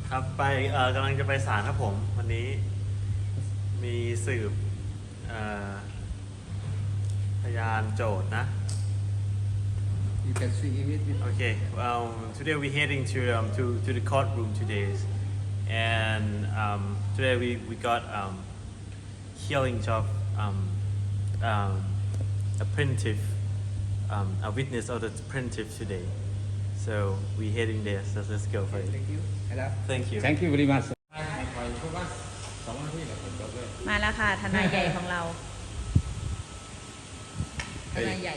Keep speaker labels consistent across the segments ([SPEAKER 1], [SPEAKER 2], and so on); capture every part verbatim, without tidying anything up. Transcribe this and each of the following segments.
[SPEAKER 1] ครับไปเอ่อกำลังจะไปศาลครับผมวันนี้มีสืบเอ่อพยานโจทย์นะ
[SPEAKER 2] You can see it.
[SPEAKER 1] Okay, um, today we're heading to um, to to the courtroom today, and um, today we we got um, hearing of um, um, a plaintiff, um, a witness of the plaintiff today. So we're heading there. So let's go for it.
[SPEAKER 2] Thank you. Hello.
[SPEAKER 1] Thank you.
[SPEAKER 3] Thank you very much สองนาทีแหละผมจบเลย
[SPEAKER 4] มาแล้วค่ะทนายใหญ่ของเราทนายใหญ่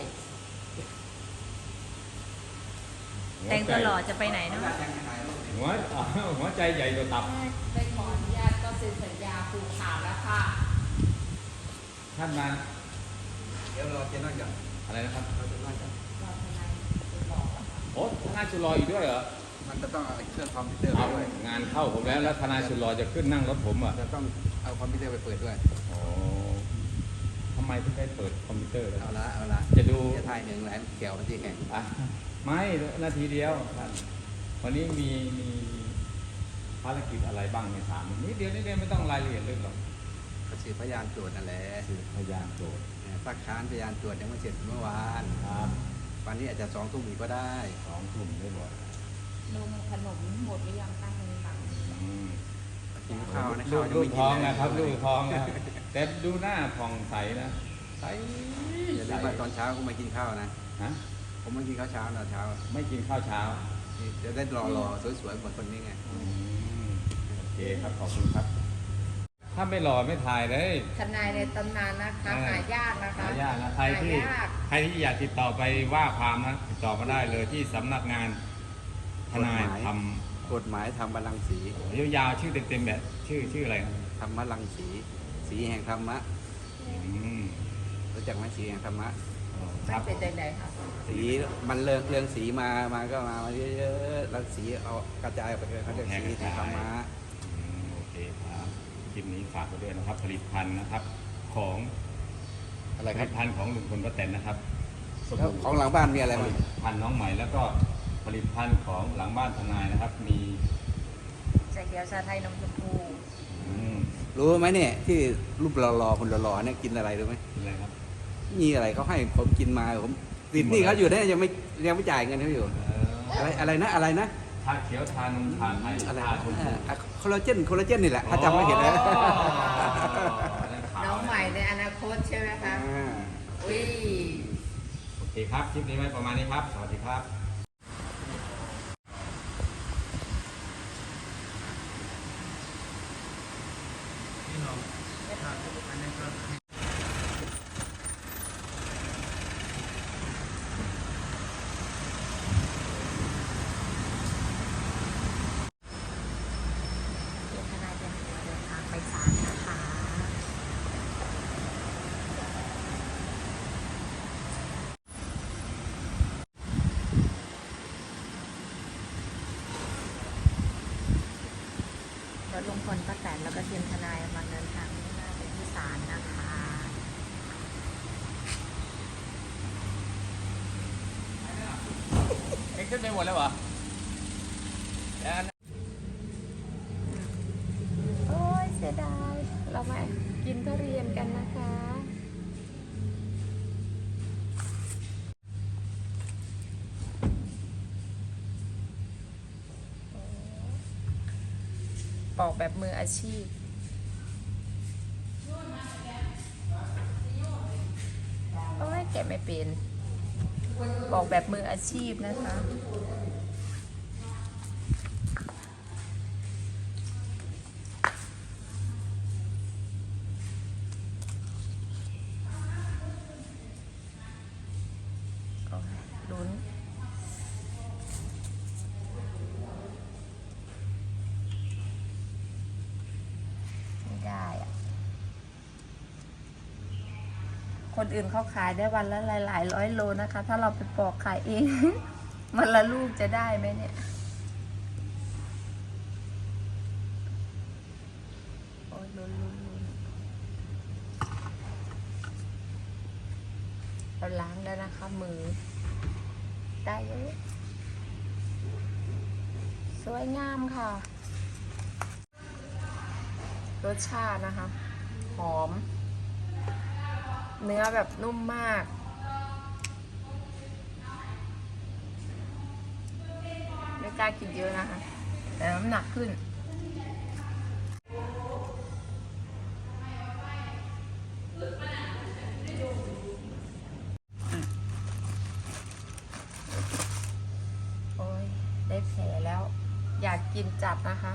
[SPEAKER 4] แต่งตัวหล่อจะไปไหนเนาะ
[SPEAKER 3] หัวหัวใจใหญ่กว่าตับ
[SPEAKER 4] ไปขออนุญาตก็เซ็นสัญญาผูกขาดแล้วค่ะ
[SPEAKER 3] ท่านมา
[SPEAKER 2] เดี๋ยวรอเจนนั่งก่อน
[SPEAKER 3] อะไรนะครับ
[SPEAKER 2] เราจะนั่งก่อน
[SPEAKER 4] รอทนายหล่อแล้วค่ะ
[SPEAKER 3] โอ้ทนายสุรออีกด้วยเหรอ
[SPEAKER 2] มันจะต้องเอาเครื่องคอมพิวเตอร์
[SPEAKER 3] เอา
[SPEAKER 2] ไปด้วย
[SPEAKER 3] งานเข้าผมแล้วแล้วทนายสุรอจะขึ้นนั่งรถผมอ่ะ
[SPEAKER 2] จะต้องเอาคอมพิวเตอร์ไปเปิดด้วย
[SPEAKER 3] โอ้ทำไมถึงได้เปิดคอมพิวเตอร์เลย
[SPEAKER 2] เอาละเอาละ
[SPEAKER 3] จะดู
[SPEAKER 2] จะถ่ายหนึ่งแหลนเกี่ยวมันที่แข่ง
[SPEAKER 3] อ่ะไม่นาทีเดียวท่านวันนี้มีมีภารกิจอะไรบ้างในถามนิดเดียวนิดเดียวไม่ต้องรายละเอียดลึกหรอก
[SPEAKER 2] ก็สืบพยานโจทย์นั่นแหละ
[SPEAKER 3] คือพยานโจทย์
[SPEAKER 2] ซักค้านพยานโจทย์ยังไม่เสร็จเมื่อวาน
[SPEAKER 3] ครับ
[SPEAKER 2] วันนี้อาจจะสองทุ่มอีกก็ได้
[SPEAKER 3] สองทุ่มได้บ่อย
[SPEAKER 4] นมขนมหมดหรือยังตั้งในหลัง
[SPEAKER 3] อืม
[SPEAKER 2] กินข้าวนะ
[SPEAKER 3] ลู
[SPEAKER 2] ข้าว
[SPEAKER 3] ก
[SPEAKER 2] ยัง
[SPEAKER 3] ลู
[SPEAKER 2] ไม่
[SPEAKER 3] ก
[SPEAKER 2] กิน
[SPEAKER 3] ท้อง
[SPEAKER 2] เลย
[SPEAKER 3] นะครับลูกท้องนะแต่ดูหน้าผ่องใสนะใส
[SPEAKER 2] อย่าลืมว่าตอนเช้าก็มากินข้าวนะ
[SPEAKER 3] ฮะ
[SPEAKER 2] ผมไม่กินข้าวเช้าตอนเช้า
[SPEAKER 3] ไม่กินข้าวเช้า
[SPEAKER 2] จะได้รอรอสวยๆเหมือนคนนี้ไง
[SPEAKER 3] อืมโอเคครับขอบคุณครับ ถ้าไม่หล่อไม่ถ่ายเลย
[SPEAKER 4] ทนายในตำนานนะคะหายากนะคะ
[SPEAKER 3] หายากนะใครที่
[SPEAKER 4] หายาก
[SPEAKER 3] ใครที่อยากติดต่อไปว่าความนะติดต่อมาได้เลยที่สำนักงานทนายท
[SPEAKER 2] กฎหมายธรรมรังสี
[SPEAKER 3] ำยาวๆชื่อเต็มๆแบบชื่อชื่ออะไรครับ
[SPEAKER 2] ธรรมรังสี สีแห่งธรรมะ
[SPEAKER 3] อืม
[SPEAKER 2] รู้จักไหมสีแห่งธรรมะ
[SPEAKER 3] ค
[SPEAKER 4] มั
[SPEAKER 3] รั
[SPEAKER 4] น
[SPEAKER 3] บ
[SPEAKER 4] เป็นใดๆค่ะ
[SPEAKER 2] สีมันเรื่องเรื่องสีมามาก็มามาเยอะๆแล้วสีเอากระจายออกไปเลยเขาเรียกสีแห่งธรรมะ
[SPEAKER 3] อืมโอเคครับคลิปนี้ฝากไว้ด้วยนะครับ ผลิตภัณฑ์นะครับ ของ
[SPEAKER 2] อะไร
[SPEAKER 3] ผ
[SPEAKER 2] ครั
[SPEAKER 3] ลิ
[SPEAKER 2] บ
[SPEAKER 3] ตภัณฑ์ของลุงพลป้าแตนนะครับ
[SPEAKER 2] แล้วของหลังบ้านมีอะไร
[SPEAKER 3] ผ
[SPEAKER 2] บ้าง
[SPEAKER 3] ลิตภัณฑ์น้องใหม่แล้วก็ผลิตภัณฑ์ของหลังบ้านทนายนะครับ มี
[SPEAKER 4] ชาเขียวชาไทยนมชมพู
[SPEAKER 3] อืม
[SPEAKER 2] รู้ไหมเนี่ยที่รูปหล่อๆคนหล่อๆเนี่ยกินอะไรรู้ไหม
[SPEAKER 3] อะไรครับ
[SPEAKER 2] มีอะไรเขาให้ผมกินมาผมติดหนี่เขาอยู่เนี่ยยังไม่ยังไม่จ่ายเงินเขาอยู่
[SPEAKER 3] เอ่อ
[SPEAKER 2] อะไรอะไรนะอะไรนะ
[SPEAKER 3] ชาเขียวทานมทานไทย
[SPEAKER 2] อะไร
[SPEAKER 3] ทาชมพู
[SPEAKER 2] คอลลาเจนคอลลาเจนนี่แหละถ้าจำไม่ผิดนะ
[SPEAKER 4] น้องใหม่ในอนาคตใช่ไหมคะ
[SPEAKER 2] อ่า
[SPEAKER 4] อุ้ย
[SPEAKER 3] โอเคครับ คลิปนี้ไว้ประมาณนี้ครับ สวัสดีครับ
[SPEAKER 4] เดี๋ยวทนายจะเดินทางไปศาลนะคะ รถลุงพลป้าแตนแล้วก็ทีมทนายกำลังเดินทางมุ่งหน้าไปที่ศาลนะคะ
[SPEAKER 3] เอ็งขึ้นไปหมดแล้วเหรอ
[SPEAKER 4] โอ้ยเสียดาย เรามากินทุเรียนกันนะคะ ปอกแบบมืออาชีพ โอ้ยแกะไม่เป็นปอกแบบมืออาชีพนะคะ ลุ้นไม่ได้อะคนอื่นเขาขายได้วันละหลายๆร้อยโลนะคะ ถ้าเราไปปอกขายเอง มันละลูกจะได้ไหมเนี่ย โอ้ยลุ้นลุ้นลุ้นเราล้างแล้วนะคะมือ ได้เยอะสวยงามค่ะรสชาตินะคะ หอม เนื้อแบบนุ่มมาก ไม่กล้ากินเยอะนะคะ แต่น้ำหนักขึ้น โอ้ย ได้แผลแล้ว อยากกินจัดนะคะ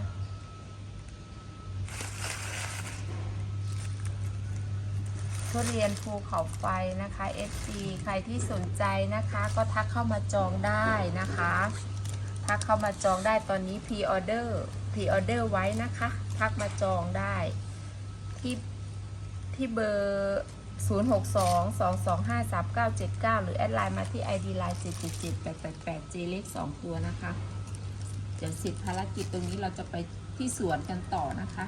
[SPEAKER 4] ทุเรียนภูเขาไฟนะคะ เอฟ ซี ใครที่สนใจนะคะก็ทักเข้ามาจองได้นะคะ ทักเข้ามาจองได้ตอนนี้พรีออเดอร์พรีออเดอร์ไว้นะคะ ทักมาจองได้ที่ที่เบอร์ ศูนย์ หก สอง สอง สอง ห้า สาม เก้า เจ็ด เก้า หรือแอดไลน์มาที่ ไอ ดี ไลน์ เจ็ด เจ็ด เจ็ด แปด แปด แปด เจ เลขสองตัวนะคะ เดี๋ยวเสร็จภารกิจตรงนี้เราจะไปที่สวนกันต่อนะคะ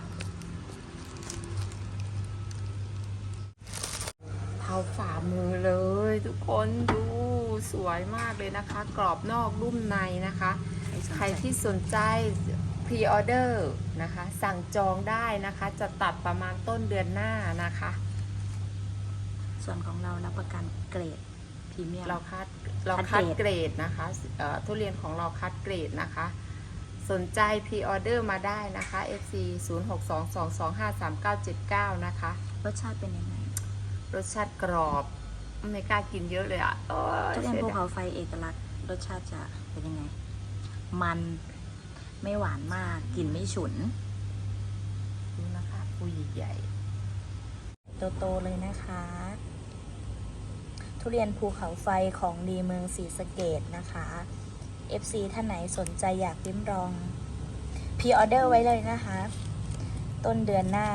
[SPEAKER 4] เท้าฝ่ามือเลยทุกคนดูสวยมากเลยนะคะ กรอบนอกรุ่มในนะคะ ใครที่สนใจพรีออเดอร์นะคะ สั่งจองได้นะคะ จะตัดประมาณต้นเดือนหน้านะคะ
[SPEAKER 5] ส่วนของเรารับประกันเกรดพรีเมียม
[SPEAKER 4] เราคัดเรา
[SPEAKER 5] คั
[SPEAKER 4] คัด
[SPEAKER 5] ด
[SPEAKER 4] เก
[SPEAKER 5] เก
[SPEAKER 4] ร
[SPEAKER 5] ร
[SPEAKER 4] ด
[SPEAKER 5] ด
[SPEAKER 4] นะคะเอ่อทุเรียนของเราคัดเกรดนะคะ สนใจพรีออเดอร์มาได้นะคะ เอฟ ซี ศูนย์ หก สอง สอง สอง ห้า สาม เก้า เจ็ด เก้า นะคะ
[SPEAKER 5] รสชาติเป็นยังไง
[SPEAKER 4] รสชาติกรอบไม่กล้ากินเยอะเลยอ่ะโอ้ย
[SPEAKER 5] ทุเรียน
[SPEAKER 4] สี
[SPEAKER 5] ภู
[SPEAKER 4] ดาย
[SPEAKER 5] เขาไฟเอกลักษณ์รสชาติจะเป็นยังไง มันไม่หวานมากกลิ่นไม่ฉุน
[SPEAKER 4] ดูนะคะปูใหญ่
[SPEAKER 5] โตๆเลยนะคะ ทุเรียนภูเขาไฟของดีเมืองศรีสะเกษนะคะ เอฟ ซี ท่านไหนสนใจอยากลิ้มลองพรีออเดอร์ไว้เลยนะคะ ต้นเดือนหน้า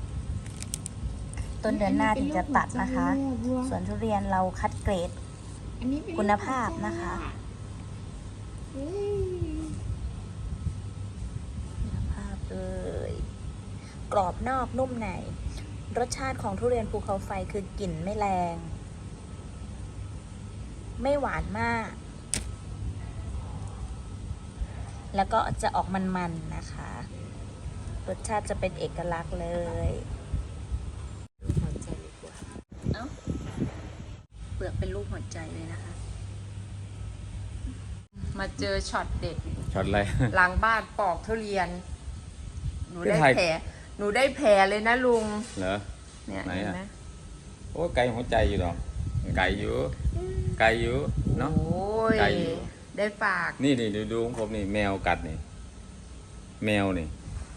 [SPEAKER 5] ต้นเดือนหน้าถึงจะตัดนะคะ ส่วนทุเรียนเราคัดเกรดคุณภาพนะคะคุณภาพเลยกรอบนอกนุ่มในรสชาติของทุเรียนภูเขาไฟคือกลิ่นไม่แรง ไม่หวานมาก แล้วก็จะออกมันๆนะคะ รสชาติจะเป็นเอกลักษณ์เลยรูปหัวใจดีกว่าเอ้าเปลือกเป็นรูปหัวใจเลยนะคะ
[SPEAKER 4] ๆมาเจอช็อตเด็ด
[SPEAKER 3] ช็อตอะไร
[SPEAKER 4] หลังบ้านปอกทุเรียน หนูได้
[SPEAKER 3] ไม่ถ่าย
[SPEAKER 4] แผลหนูได้แผลเลยนะลุง
[SPEAKER 3] เหรอ
[SPEAKER 4] เนี่ย
[SPEAKER 3] ไหน
[SPEAKER 4] เห็น
[SPEAKER 3] อะ
[SPEAKER 4] ไหม
[SPEAKER 3] โอ้ไก่หัวใจอยู่หรอไก่อยู่ไก่อยู่เนาะ
[SPEAKER 4] โอ้ย
[SPEAKER 3] ไก่อยู่
[SPEAKER 4] ได้ฝาก
[SPEAKER 3] นี่นี่ดูดูของผมนี่แมวกัดนี่แมวนี่
[SPEAKER 4] ป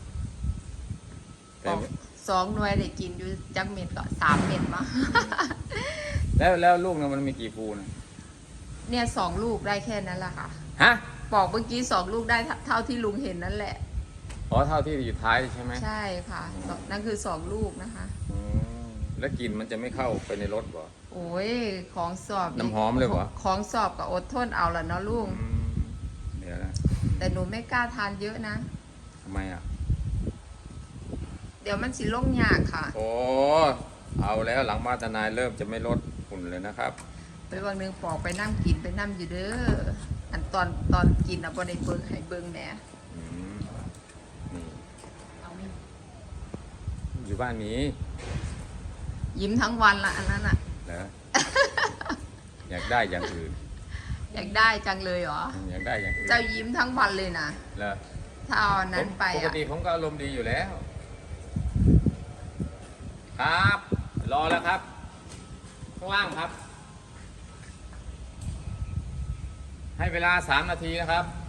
[SPEAKER 3] แต่
[SPEAKER 4] อกสองหน่วยได้กินอยู่จักเม็ดก็สามเม็ดมา
[SPEAKER 3] แล้วแล้วลูกนะมันมีกี่ภูนะ
[SPEAKER 4] เนี่ยสองลูกได้แค่นั้นแหละค่ะ
[SPEAKER 3] ฮะ
[SPEAKER 4] ปอกเมื่อกี้สองลูกได้เท่าเท่าที่ลุงเห็นนั่นแหละ
[SPEAKER 3] อ๋อเท่าที่อยู่ท้ายใช่ไหม
[SPEAKER 4] ใช่ค่ะสองนั่นคือสองลูกนะคะ
[SPEAKER 3] อืมแล้วกลิ่นมันจะไม่เข้าไปในรถบ่
[SPEAKER 4] โอ้ยของสอบ
[SPEAKER 3] น้ำหอมเลยเหรอ
[SPEAKER 4] ของสอบกับอดทนเอาละเนาะลุง
[SPEAKER 3] อืมเดี๋ยวนะ
[SPEAKER 4] แต่หนูไม่กล้าทานเยอะนะ
[SPEAKER 3] ทำไมอ่ะ
[SPEAKER 4] เดี๋ยวมันสิลงยากค่ะ
[SPEAKER 3] โอ้เอาแล้วหลังบ้านทนายเริ่มจะไม่ลดหุ่นเลยนะครับ
[SPEAKER 4] ไปวันหนึงปอกไปนั่งกินไปนั่งอยู่เด้ออันตอนตอนกินอ่ะบ่ได้เบิ่งให้เบิ่งแหน่
[SPEAKER 3] อืมนี่
[SPEAKER 4] เอาไม่
[SPEAKER 3] อยู่บ้านนี้
[SPEAKER 4] ยิ้มทั้งวันละอันนั้นอ่ะ
[SPEAKER 3] เหรอ อยากได้อย่างอื่น
[SPEAKER 4] อยากได้จังเลยเหรอ
[SPEAKER 3] อยากได้อย่างอื่น
[SPEAKER 4] เจ้ายิ้มทั้งวันเลยนะ
[SPEAKER 3] เหรอ
[SPEAKER 4] ถ้าเอาอันนั้นไป
[SPEAKER 3] ปก
[SPEAKER 4] อ่ะ
[SPEAKER 3] ติผมก็อารมณ์ดีอยู่แล้ว ครับ รอแล้วครับข้างล่างครับ ให้เวลาสามนาทีนะครับ